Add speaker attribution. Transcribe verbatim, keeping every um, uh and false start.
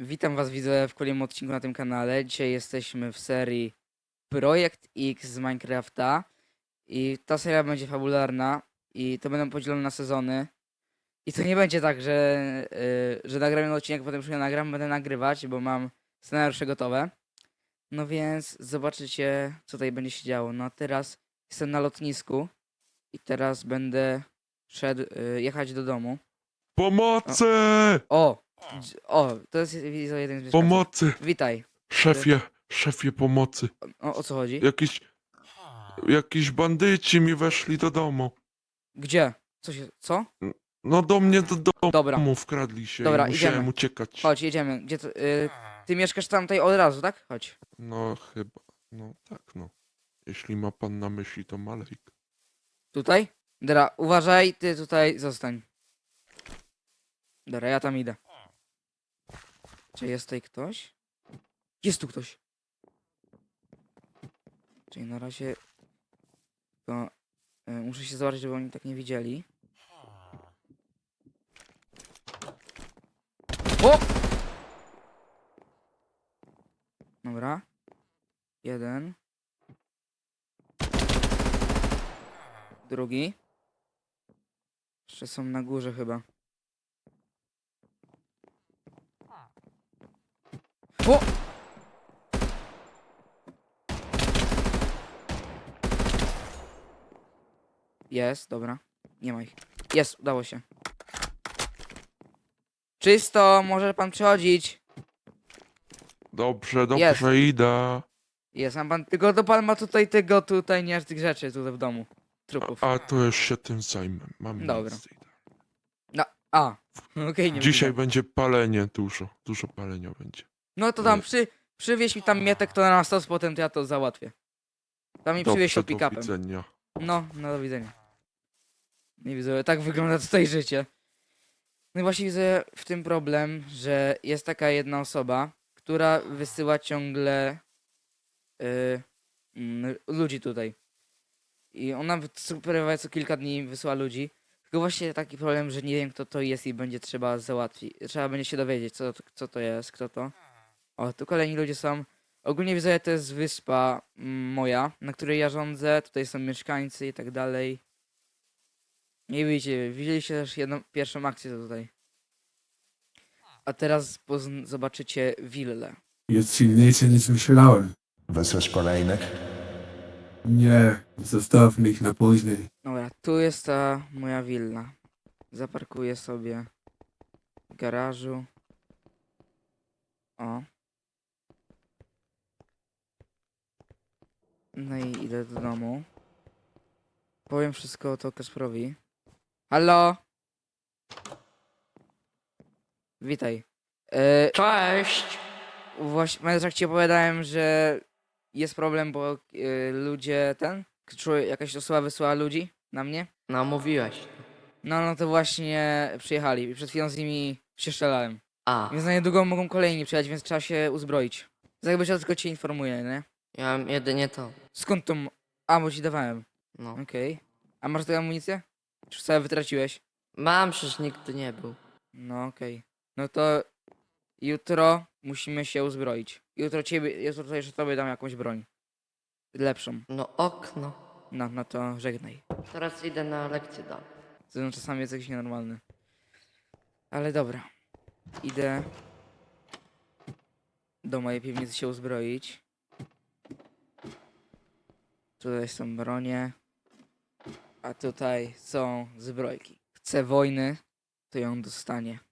Speaker 1: Witam was widzę w kolejnym odcinku na tym kanale. Dzisiaj jesteśmy w serii Projekt X z Minecrafta i ta seria będzie fabularna i to będą podzielone na sezony. I to nie będzie tak, że, yy, że nagram jeden odcinek, potem już nie nagram, będę nagrywać, bo mam scenariusze gotowe. No więc zobaczycie, co tutaj będzie się działo. No a teraz jestem na lotnisku i teraz będę szedł, yy, jechać do domu.
Speaker 2: Pomocy!
Speaker 1: O! dż- O! To jest widzę, jeden z mieszkańców.
Speaker 2: Pomocy!
Speaker 1: Witaj.
Speaker 2: Szefie, szefie pomocy.
Speaker 1: O, o co chodzi?
Speaker 2: Jakiś, jakiś bandyci mi weszli do domu.
Speaker 1: Gdzie? Co się... Co?
Speaker 2: No do mnie do
Speaker 1: Dobra,
Speaker 2: domu wkradli się
Speaker 1: Dobra,
Speaker 2: i musiałem
Speaker 1: idziemy.
Speaker 2: uciekać.
Speaker 1: chodź, jedziemy. Gdzie to... Y... Ty mieszkasz tam tutaj od razu, tak? Chodź.
Speaker 2: No chyba, no tak no. Jeśli ma pan na myśli to Malejk.
Speaker 1: Tutaj? Dobra, uważaj, ty tutaj zostań. Dobra, ja tam idę. Czy jest tutaj ktoś? Jest tu ktoś. Czyli na razie... To... Y, muszę się zobaczyć, żeby oni tak nie widzieli. O! Dobra. Jeden. Drugi. Jeszcze są na górze chyba. O! Jest, dobra. Nie ma ich. Jest, udało się. Czysto, może pan przychodzić.
Speaker 2: Dobrze, dobrze,
Speaker 1: Jest.
Speaker 2: idę.
Speaker 1: Jest, a pan, tylko to pan ma tutaj tego, tutaj nie aż tych rzeczy tutaj w domu. Trupów.
Speaker 2: A, a to już się tym zajmę. Mam
Speaker 1: Dobra.
Speaker 2: miejsce. Idę.
Speaker 1: No, a. Okej, nie
Speaker 2: Dzisiaj
Speaker 1: widzę.
Speaker 2: będzie palenie dużo. Dużo palenia będzie.
Speaker 1: No to tam przy, przywieź mi tam mietek to na stos, potem to ja to załatwię. Tam mi przywieź to
Speaker 2: Dobrze, do
Speaker 1: pick-upem.
Speaker 2: widzenia.
Speaker 1: No, no do widzenia. Nie widzę, tak wygląda tutaj życie. No i właśnie widzę w tym problem, że jest taka jedna osoba, która wysyła ciągle y, mm, ludzi tutaj. I ona wy- co- prawie co kilka dni wysyła ludzi. Tylko właśnie taki problem, że nie wiem kto to jest i będzie trzeba załatwić. Trzeba będzie się dowiedzieć co, to- co to jest, kto to. O, tu kolejni ludzie są. Ogólnie widzę, to jest wyspa mm, moja, na której ja rządzę. Tutaj są mieszkańcy i tak dalej. Nie widzicie, widzieliście też jedną, pierwszą akcję tutaj. A teraz pozn- zobaczycie willę.
Speaker 3: Jest silniejszy niż myślałem.
Speaker 4: Wysłać kolejnych?
Speaker 3: Nie, zostawmy ich na później.
Speaker 1: Dobra, tu jest ta moja willa. Zaparkuję sobie w garażu. O. No i idę do domu. Powiem wszystko to Kasprowi. Halo? Witaj. E,
Speaker 5: Cześć!
Speaker 1: Właśnie, jak ci opowiadałem, że jest problem, bo e, ludzie ten, człowiek, jakaś osoba wysłała ludzi na mnie.
Speaker 5: No mówiłeś.
Speaker 1: No, no to właśnie przyjechali i przed chwilą z nimi się strzelałem.
Speaker 5: A,
Speaker 1: Więc na niedługo mogą kolejni przyjechać, więc trzeba się uzbroić. Tak jakby ja tylko cię informuję, nie?
Speaker 5: ja mam jedynie to.
Speaker 1: Skąd to... m- A, bo ci dawałem.
Speaker 5: No.
Speaker 1: Okej. A masz tę amunicję? Czy już całe wytraciłeś?
Speaker 5: Mam, przecież nigdy nie był.
Speaker 1: No okej. No to jutro musimy się uzbroić. Jutro ciebie, jutro to jeszcze tobie dam jakąś broń. Lepszą.
Speaker 5: No okno.
Speaker 1: No, no to żegnaj.
Speaker 5: Teraz idę na lekcję dalej.
Speaker 1: Zresztą czasami jest jakiś nienormalny. Ale dobra. Idę do mojej piwnicy się uzbroić. Tutaj są bronie. A tutaj są zbrojki. Chce wojny, to ją dostanie.